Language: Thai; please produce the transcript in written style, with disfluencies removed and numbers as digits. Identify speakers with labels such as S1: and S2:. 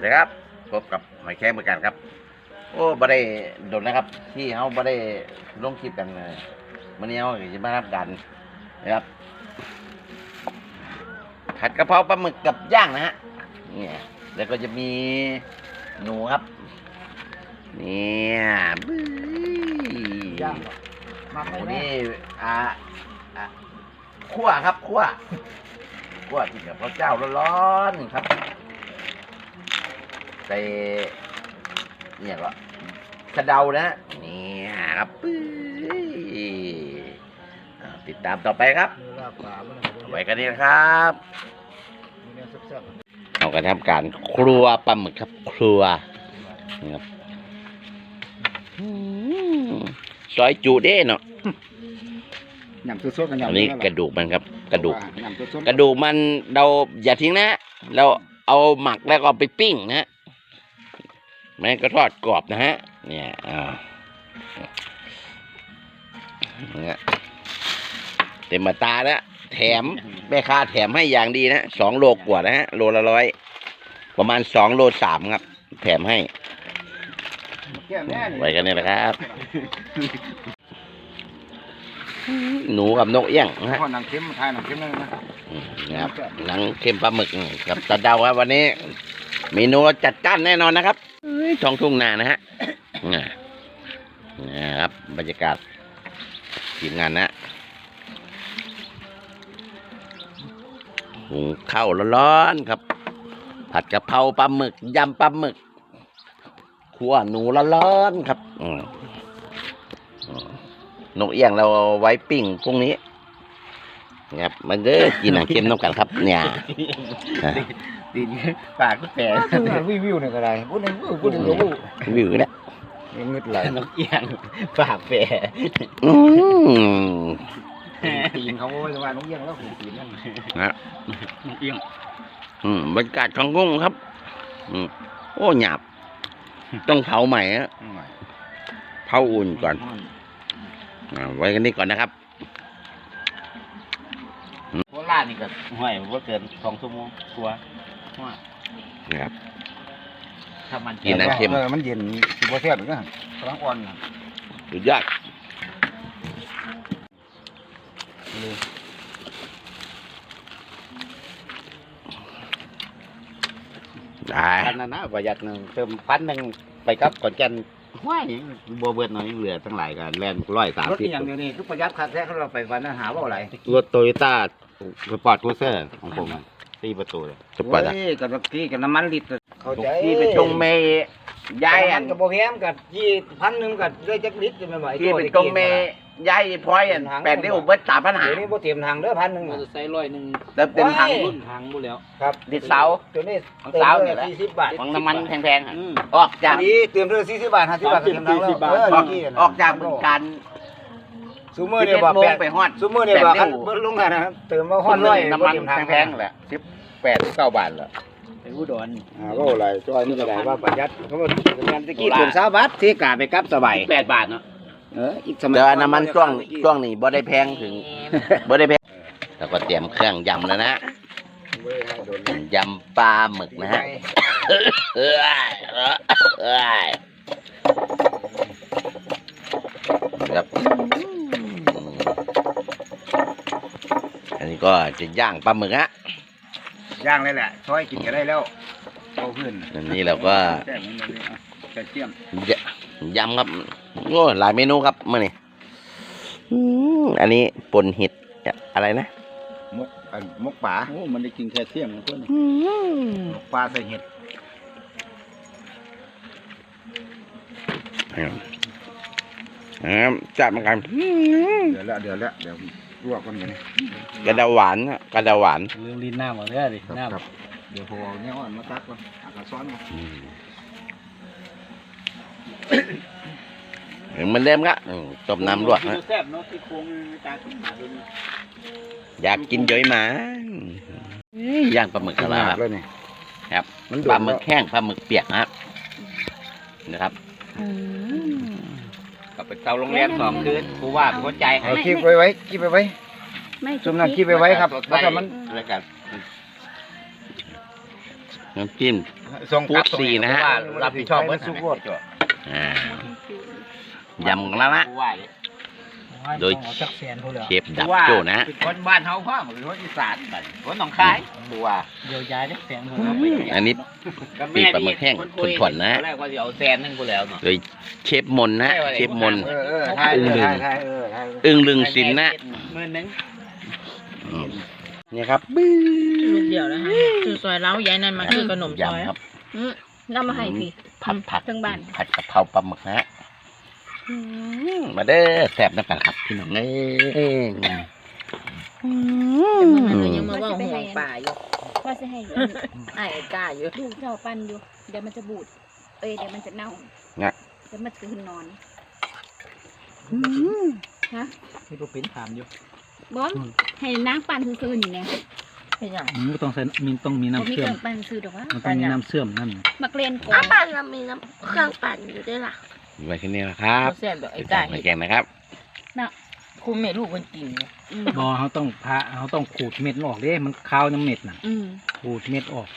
S1: สวัสดีครับพบกับหมายแข้งเหมือนกันครับโอ้บ่ได้โดนนะครับที่เขาบ่ได้ลงคลิปกันเลยวันนี้เขาจะมาทำกันนะครับผัดกะเพราปลาหมึกกับย่างนะฮะเนี่ยแล้วก็จะมีหนูครับเนี่ยบึ้ย
S2: ย่างมาไม่
S1: วัน
S2: แน่
S1: นี้คั่วครับคั่วกินกับข้าวเจ้าร้อนๆครับใส่เนี่ยก็กระเดานะเนี่ยครับปื้ยติดตามต่อไปครับ
S2: ลาบปลามัน
S1: ไว้กันนี้นะครับ
S2: มีเนื้อแซ่บ
S1: เราก็ทำการครัวปลาหมึกครับครัวนะครับซอยจูเด้เนาะ
S2: ๆยำสดๆกันยำ
S1: อันนี้กระดูกมันครับกระดูก
S2: ยำสดๆ
S1: กระดูกมันเราอย่าทิ้งนะเราเอาหมักแล้วก็เอาไปปิ้งนะแม่ก็ทอดกรอบนะฮะเนี่ยเนี่ยเต็มมาตาแล้วแถมแม่ค้าแถมให้อย่างดีนะ2 โลกว่านะฮะโลละ100ประมาณ2 โล 3ครับแถมให้
S2: แก้มแน่นี่
S1: ไว้กันนี่แหละครับหนูกับนกเอี้ยงนะฮะ
S2: ข้อหนังเค็มทายหนังเค็มเลยนะ
S1: นะครับหนังเค็มปลาหมึกกับตะเดาครับวันนี้เมนูจัดจ้านแน่นอนนะครับท้องทุ่งนานะฮะนะครับบรรยากาศทีมงานนะหุงข้าวร้อนๆครับผัดกะเพราปลาหมึกยำปลาหมึกคั่วหนูร้อนๆครับนกเอี้ยงเราเอาไว้ปิ้งพรุ่งนี้ครับมันเด้อกินหนังเค็มน้ำกันครับเนี่ย
S2: ตีนปากก็แผลวิวเนี่ยก็ได้พูดหนึ่งพูดหนึ่งก็พูด
S1: วิวเนี่ย
S2: งึดไหลนกเอี้ยงปากแผลตีนเขาไว้ว่านกเอี้ยงแล้วตีนนั่น
S1: นะ
S2: นกเอี้ยง
S1: บรรยากาศของกุ้งครับโอ้หยาบต้องเผาใหม่ฮะเผาอุ่นก่อนไว้กันนี้ก่อนนะครับ
S2: โคราชนี่ก็ห้อยว่าเกิน2 ชั่วโมงกลัวห้อย
S1: นะครับ
S2: ถ้ามัน
S1: กินน้ำเค็ม
S2: มันเย็นสิบ่แซ่บเหมือนกันกำลังอ่อน
S1: สุดยอดได้
S2: พันนะประหยัดหนึ่งเติม1,000ไปกับก่อนแก่นห้อยบัวเบิดหน่อยเหลือทั้งหลายกันแลน130รถอย่างเดียวนี่คือประหยัดคักแท้เขาเราไปวันนั้นหาว่าอะไรรถโตโยต้าสปอร์ตครูเซอร์ของผม4 ประตูเลย
S1: สปอร์ตอะ
S2: กับที่กับน้ำมันลิตรเข้าใจ
S1: ที่ไปตรงเมย์ยายอัน
S2: กับโบแฮมกับ1,000กับได้จักลิตรจะไม่ไหว
S1: ที่ไปตรงเมย์ยายพลอยอัน8 นิ้วเบิด3,500
S2: เดี๋ยวนี้โบเตรียมทางเด้อ1,000
S3: มอเตอร์ไซค์100
S1: เติมเต็มถัง
S3: รุ่นทางบุแล้ว
S2: ครับ
S1: ดิดเสา
S2: ตัวนี้
S1: ของเสาเนี่ยแหละ
S2: 40 บาท
S1: ของน้ำมันแพงๆอะออกจาก
S2: นี้เตรียมเท่า40 บาท50 บาทเตรียมทางแล้ว
S1: ออกจากบึงการ
S2: ซูเมอร์เนี่ยบอก
S1: 11 โมงไปฮอด
S2: ซูเมอร์เนี่ยบอก
S1: 8 นิ้ว
S2: เบิ้ลลงกันนะเติมมาฮ
S1: ค
S2: อด
S1: น
S2: ร้อย
S1: น้ำมันแพงๆแหละ18-19 บาทแหละ
S3: ไปอุดร
S2: ก็อะไรจอยนี่ก็ได้ว่าประหยัดเขาบอกงานตะกี้เติม20 บาทที่กาไปกับสบาย
S1: 8 บาทเนาะ
S2: อีกสมัย
S1: แต่ว่าน้ำมันช่วงนี้บ่ได้แพงถึงบ่ได้แพงแล้วก็เตรียมเครื่องยำแล้วนะยำปลาหมึกนะฮะครับอันนี้ก็จะย่างปลาหมึกฮะ
S2: ย่างเลยแหละซอยกินก็ได้แล้วเอาขึ้น
S1: อันนี้เราก็
S2: แซ่บนี่เลยกระเทียม
S1: ยำครับโอ้หลายเมนูครับมื้อนี้อันนี้ป่นเห็ดอะไรนะ
S2: มกป่า
S3: โอ้มันได้กินแคลเซียมนะเพื่อน
S2: มกป่าใส่เห็ด
S1: จัดมากัน
S2: เดี๋ยวลวกกันอย่างนี้
S1: กระดาหวานอะกระดาหวาน
S3: ลืมลิ้นหน้าหมดเลยดิหน้า
S2: ครับเดี๋ยวพอเอาเนี่ยอ่อนมาตักก่อนกระซ้อนก่อน
S1: เหมือนเดิมครับต้มน้ำลวกฮะ
S3: แซ่บเนาะที่โครงตาขึ้นมาดูนี่
S1: อยากกินย้อยหมาย่างปลาหมึกกะลาครับ
S2: เลยนี่
S1: ครับ
S2: มัน
S1: ปลาหมึกแห้งปลาหมึกเปียกนะครับก็ไปเตาโรงแรม2 คืนครูว่าเป็นคนใจให้
S2: เอาคีบไว้คีบไว้
S4: ไม่
S2: จุ่มน้ำคีบไว้ครับ
S1: สด
S2: แล้วก็มัน
S1: แล้วกันน้ำจิ้ม
S2: ส่งกลับ
S1: พูดสี่นะฮะ
S2: ว่ารับผิดชอบเบิดสุกโคตร
S1: ยำกันแล้วนะ โดย
S3: จักแสนพวกเหลือ
S1: เชฟดับโจ้นะฮะ
S2: เป็นคนบ้านเฮาพ่อหรือคนอีสานบัดคนหนองคายตัว
S3: เดียวยายจักแสนพวก
S1: อันนี้ ปีกปลาหมึกแห้งถ่วนๆนะ
S2: ตอแรกว่าจะเอาแซนนึงกูแล้วเนาะ
S1: โดยเชฟมนนะเชฟมน
S2: ใช่
S1: อึ้งลึง
S2: ใช่
S1: อึ้งลึงสินนะ
S2: 10,000
S1: อืมนี่ครับ
S4: ลูกเดียวนะคะคือซอยเล้ายายนั่นมาคือขนมซอย
S1: ยำครับ
S4: น้ำมาให้พี่
S1: ผัด
S4: ทั้งบ้าน
S1: ผัดกะเพราปลาหมึกนะฮะมาเด้อแซ่บน้ำกันครับพี่น้องเอ้ย
S4: แต่เมื่อนั้นก็ยังมาว่าห่วงป่าอยู่
S5: ว่าจะให้
S4: ไอ้กล้าอยู่
S5: ลูกเจ้าปั้นอยู่ เดี๋ยวมันจะบูด เอ้ยเดี๋ยวมันจะเน่า
S1: นะ
S5: เดี๋ยวมันจะขึ้นนอน
S3: นี่ก็เป็นถามอยู่
S5: บอมให้นางปั้นซื่อๆนี่แน่
S4: เป็นอย่าง
S3: มันก็ต้องใส่ต้องมี
S5: บ่
S3: น้ำ
S5: มี
S3: เชื่
S5: เค
S3: อ
S5: รื่
S3: ม
S5: องปั้นซื่อดอกว่า
S3: มันต้องมีน้ำเชื่อมนั่น
S5: มักเล่นก่อ
S6: อ้าน ปั่นเรามีน้ำเครื่องปั่นอยู่ด้วยล่ะ
S1: ไว้แค่นี้นะครับ
S4: แซ่บแบบไอ้
S1: ติด
S4: กล้า
S1: ตามในแกงนะครับ
S4: คุณแม่ลูกคนกิน
S3: บอเขาต้องขูดเม็ดออกเด้มันคาวน้ำเม็ดน่ะ
S5: อืม
S3: ขูดเม็ดออก